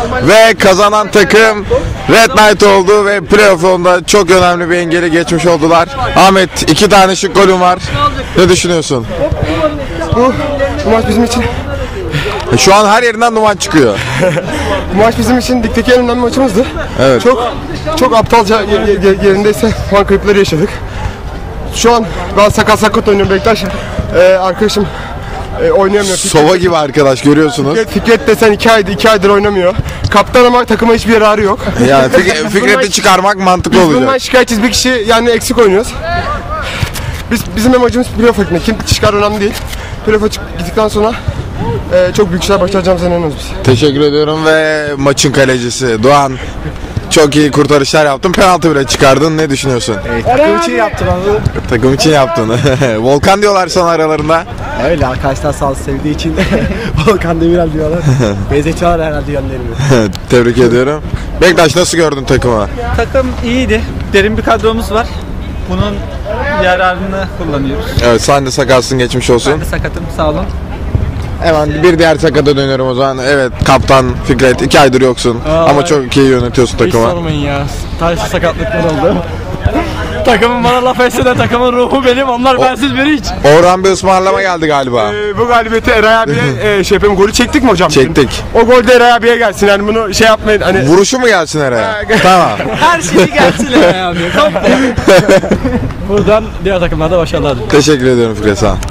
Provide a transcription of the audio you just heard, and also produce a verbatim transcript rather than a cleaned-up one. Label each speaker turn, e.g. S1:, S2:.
S1: Ve kazanan takım Red Knight oldu ve playoff yolunda çok önemli bir engeli geçmiş oldular. Ahmet, iki tane şık golün var. Ne düşünüyorsun?
S2: Bu, bu maç bizim için
S1: Şu an her yerinden duman çıkıyor.
S2: bu maç bizim için ligdeki en önemli maçımızdı.
S1: Evet.
S2: Çok çok aptalca ye- ye- yerindeyse puan kayıpları yaşadık. Şu an ben sakat sakat oynuyorum Bektaş. Ee, arkadaşım e, oynayamıyor.
S1: Sova gibi arkadaş, görüyorsunuz.
S2: Fikret, Fikret desen iki aydır, iki aydır oynamıyor. Kaptan ama takıma hiçbir yararı yok.
S1: Yani Fik- Fikret'i çıkarmak mantıklı
S2: Biz bundan
S1: olacak.
S2: şikayetçiyiz, bir kişi yani eksik oynuyoruz. Biz, bizim amacımız playoff gitmek. Kim çıkar önemli değil. Playoff'a çık- gittikten sonra e, çok büyük şeyler başaracağımıza inanıyoruz biz.
S1: Teşekkür ediyorum ve maçın kalecisi Doğan, çok iyi kurtarışlar yaptın. Penaltı bile çıkardın. Ne düşünüyorsun?
S3: Takım için yaptım abi.
S1: Takım için yaptın. Volkan diyorlar sana aralarında.
S3: Öyle arkadaşlar sağ olsun sevdiği için Volkan Demirel diyorlar. Benzetiyorlar herhalde yönlerimi.
S1: Tebrik ediyorum. Bektaş, nasıl gördün takımı?
S4: Takım iyiydi. Derin bir kadromuz var. Bunun yararını kullanıyoruz.
S1: Evet, sen de sakatsın, geçmiş olsun.
S4: Ben de sakatım, sağ olun.
S1: Hemen bir diğer sakata dönüyorum o zaman. Evet, kaptan Fikret, iki aydır yoksun ama çok iyi yönetiyorsun
S3: Hiç
S1: takımı.
S3: sormayın ya. Tarihsiz sakatlıklar oldu. Takımın bana laf etse de takımın ruhu benim. Onlar bensiz biri hiç.
S1: Orhan bir ısmarlama geldi galiba.
S2: Ee, bu galibiyeti Eray abiye e, şey yapayım, golü çektik mi hocam?
S1: Çektik.
S2: O gol de Eray abiye gelsin, yani bunu şey yapmayın hani.
S1: Vuruşu mu gelsin araya? Tamam.
S4: Her şeyi gelsin abi.
S3: Buradan diğer takımlarda başarılar.
S1: Teşekkür ediyorum Fikret, sağ ol.